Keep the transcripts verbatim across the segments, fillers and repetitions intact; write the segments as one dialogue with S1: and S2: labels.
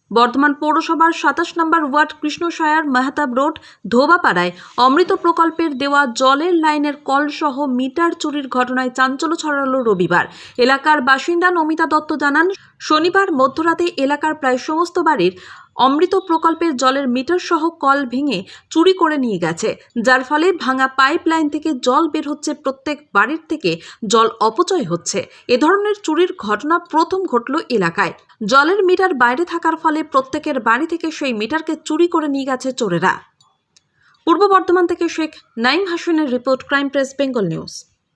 S1: বর্ধমান পৌরসভার সাতাশ নম্বর ওয়ার্ড কৃষ্ণসায়ার মেহতাব রোড ধোবাপাড়ায় অমৃত প্রকল্পের দেওয়া জলের লাইনের কল সহ মিটার চুরির ঘটনায় চাঞ্চল্য ছড়ালো রবিবার। এলাকার বাসিন্দা নমিতা দত্ত জানান, শনিবার মধ্যরাতে এলাকার প্রায় সমস্ত বাড়ির অমৃত প্রকল্পের জলের মিটার সহ কল ভেঙে চুরি করে নিয়ে গেছে, যার ফলে ভাঙা পাইপ লাইন থেকে জল বের হচ্ছে, প্রত্যেক বাড়ির থেকে জল অপচয় হচ্ছে। এ ধরনের চুরির ঘটনা প্রথম ঘটল এলাকায়। জলের মিটার বাইরে থাকার ফলে প্রত্যেকের বাড়ি থেকে সেই মিটারকে চুরি করে নিয়ে গেছে চোরেরা। পূর্ব বর্ধমান থেকে শেখ নাইম হাসিনের report, crime press Bengal news.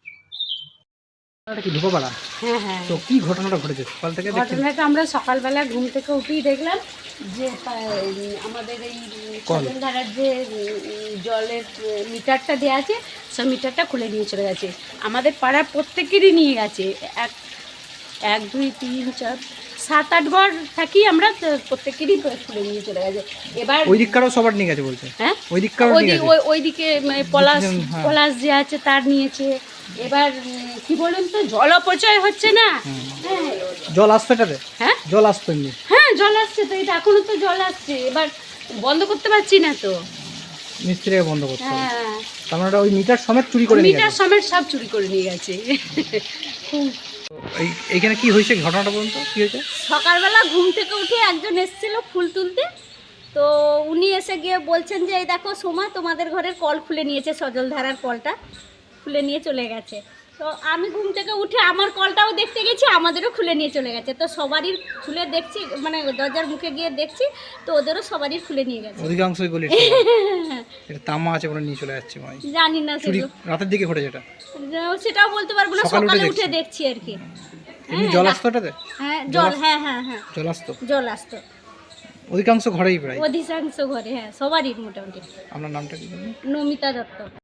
S2: কি ধোপাপাড়া?
S3: হ্যাঁ হ্যাঁ
S2: তো কি ঘটনাটা ঘটেছে সকাল থেকে?
S3: ঘটনাটা আমরা সকালবেলা ঘুম থেকে উঠেই দেখলাম যে আমাদের এই ধারার যে জলের মিটারটা দেওয়া আছে সেই মিটারটা খুলে নিয়ে চলে গেছে। আমাদের পাড়ার প্রত্যেকেরই নিয়ে গেছে, এক এক দুই তিন চার সাত আট ঘর থাকি আমরা, প্রত্যেকেরই খুলে নিয়ে চলে গেছে। এবার
S2: ওই দিককারও সবার নিয়ে গেছে বলছে?
S3: হ্যাঁ,
S2: ওই দিককারও নিয়ে গেছে।
S3: ওই দিকে পলাশ পলাশ যে আছে তার নিয়েছে। এবার কি বলুন তো, জল অপচয় হচ্ছে না? হ্যাঁ,
S2: জল আসছে এটাতে?
S3: হ্যাঁ,
S2: জল আসতো এমনি?
S3: হ্যাঁ জল আসছে তো, এটা এখনো তো জল আসছে। এবার বন্ধ করতে পারছি না তো,
S2: মিস্ত্রিকে বন্ধ করতে হবে।
S3: হ্যাঁ,
S2: তার মানে ওই মিটার সমেত চুরি করে নিয়ে গেছে?
S3: মিটার সমেত সব চুরি করে নিয়ে গেছে।
S2: এই এইখানে কি হয়েছে ঘটনাটা বলুন তো, কি হয়েছে?
S4: সকালবেলা ঘুম থেকে উঠে একজন এসেছিল ফুল তুলতে, তো উনি এসে গিয়ে বলছেন যে এই দেখো সোমা, তোমাদের ঘরের কল খুলে নিয়েছে, সজলধারার কলটা খুলে নিয়ে চলে গেছে। তো আমি ঘুম থেকে উঠে আমার কলটাও দেখতে গেছি, আমাদেরও খুলে নিয়ে চলে গেছে। তো সবারই খুলে দেখছি, মানে দরজার মুখে গিয়ে দেখছি তো ওদেরও সবারই খুলে নিয়ে গেছে।
S2: অধিকাংশই গলি এটা তামা আছে বলে নিয়ে চলে যাচ্ছে মানে।
S4: জানি না
S2: চুরি
S4: সেগুলো,
S2: রাতের দিকে ঘটেছে এটা?
S4: সেটাও বলতে পারবো না,
S2: সকালে
S4: সকালে
S2: উঠে
S4: উঠে দেখছি আর কি।
S2: এমনি জল আসতো এটাতে?
S4: হ্যাঁ জল, হ্যাঁ হ্যাঁ হ্যাঁ
S2: জল আসতো,
S4: জল আসতো
S2: অধিকাংশ ঘরেই প্রায়?
S4: অধিকাংশ ঘরে, হ্যাঁ সবারই মোটামুটি।
S2: আপনার নামটা কি?
S4: নমিতা দত্ত।